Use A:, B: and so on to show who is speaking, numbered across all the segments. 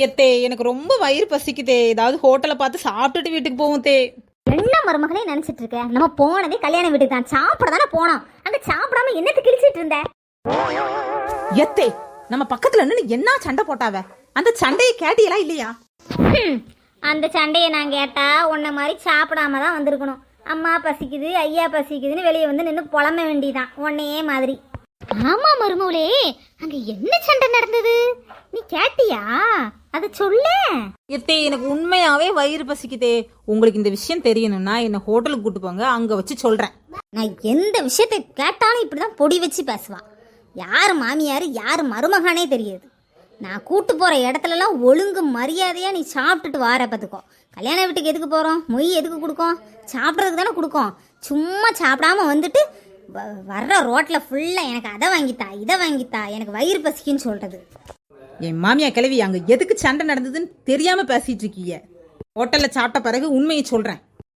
A: எத்தே எனக்கு ரொம்ப வயிறு பசிக்குதே, ஏதாவது ஹோட்டலை பார்த்து சாப்பிட்டுட்டு வீட்டுக்கு போவோம் தே.
B: என்ன மருமகளே நினைச்சிட்டு இருக்க? நம்ம போனதே கல்யாண வீட்டுக்கு தான், சாப்பிட தானே போனோம். அங்க சாப்பிடாம என்னத்து கிழிச்சிட்டு இருந்த?
A: எத்தே நம்ம பக்கத்துல நின்று என்ன சண்டை போட்டாவ, அந்த சண்டையை கேட்டியலா இல்லையா?
B: அந்த சண்டையை நான் கேட்டா உன்ன மாதிரி சாப்பிடாம தான் வந்திருக்கணும். அம்மா பசிக்குது ஐயா பசிக்குதுன்னு வெளியே வந்து நின்று புலம்ப வேண்டியதான் உன்னையே மாதிரி. ஆமா மருமகளே, அங்க என்ன சண்டை நடந்தது நீ கேட்டியா? அத சொல்ல.
A: எத்தே எனக்கு உண்மையாவே வயிறு பசிக்குதே, உங்களுக்கு இந்த விஷயம் தெரியணும்னா என்ன ஹோட்டலுக்கு கூட்டு போங்க, அங்க வச்சு சொல்றேன்.
B: நான் எந்த விஷயத்தை கேட்டாலும் இப்படிதான் பொடி வச்சு பேசுவா. யாரு மாமியாரு யாரு மருமகானே தெரியாது. நான் கூட்டு போற இடத்துலலாம் ஒழுங்கு மரியாதையா நீ சாப்பிட்டுட்டு வார பார்த்துக்கோ. கல்யாண வீட்டுக்கு எதுக்கு போறோம்? மொய் எதுக்கு கொடுக்கோம்? சாப்பிட்றதுக்கு தானே கொடுக்கோம். சும்மா சாப்பிடாம வந்துட்டு வர்ற ரோட்ல ஃபுல்லா எனக்கு அதை வாங்கித்தா இதை வாங்கித்தா எனக்கு வயிறு பசிக்குன்னு சொல்றது.
A: என் மாமியா கிளவி அங்க எதுக்கு சண்டை நடந்ததுன்னு தெரியாம பேசிட்டு இருக்கீங்க. ஹோட்டல்ல சாப்பிட்ட பிறகு உண்மையை சொல்றேன்.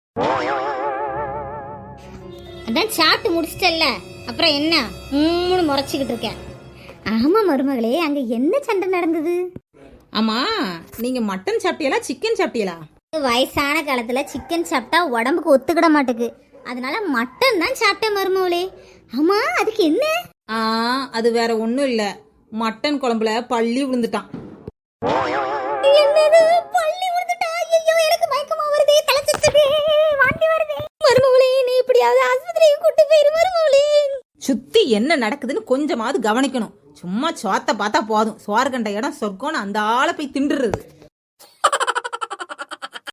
B: அதான் சாப்பிட்டு முடிச்சிட்டல்ல, அப்புறம் என்ன மூணு முறைச்சிக்கிட்டு இருக்கேன். ஆமா மருமகளே, அங்க என்ன சண்டை நடந்தது?
A: ஆமா, நீங்க மட்டன் சாப்பிட்டீங்களா சிக்கன் சாப்பிட்டீங்களா?
B: வயசான காலத்துல சிக்கன் சாப்பிட்டா உடம்புக்கு ஒத்துக்கிட மாட்டேங்குது, அதனால மட்டன் தான் சாப்பிட்டேன் மருமகளே. ஆமா, அதுக்கு என்ன?
A: அது வேற ஒண்ணும் இல்ல, மட்டன் குழம்புல பள்ளி விழுந்துட்டான்.
B: என்னது பள்ளி விழுந்துட்டா? ஐயோ எனக்கு மயக்கமா வருதே, தலை சுத்துதே, வாந்தி வருதே. மருமகளே நீ இப்படியாவது ஆஸ்பத்திரிக்கு கூட்டி போயிரு மருமகளே.
A: சுத்தி என்ன நடக்குதுன்னு கொஞ்சமாவது கவனிக்கணும். சும்மா சோத்த பார்த்தா போதும், சோறு கண்ட இடம் சொர்க்கம்னு அந்த ஆளை போய் திண்டுறது.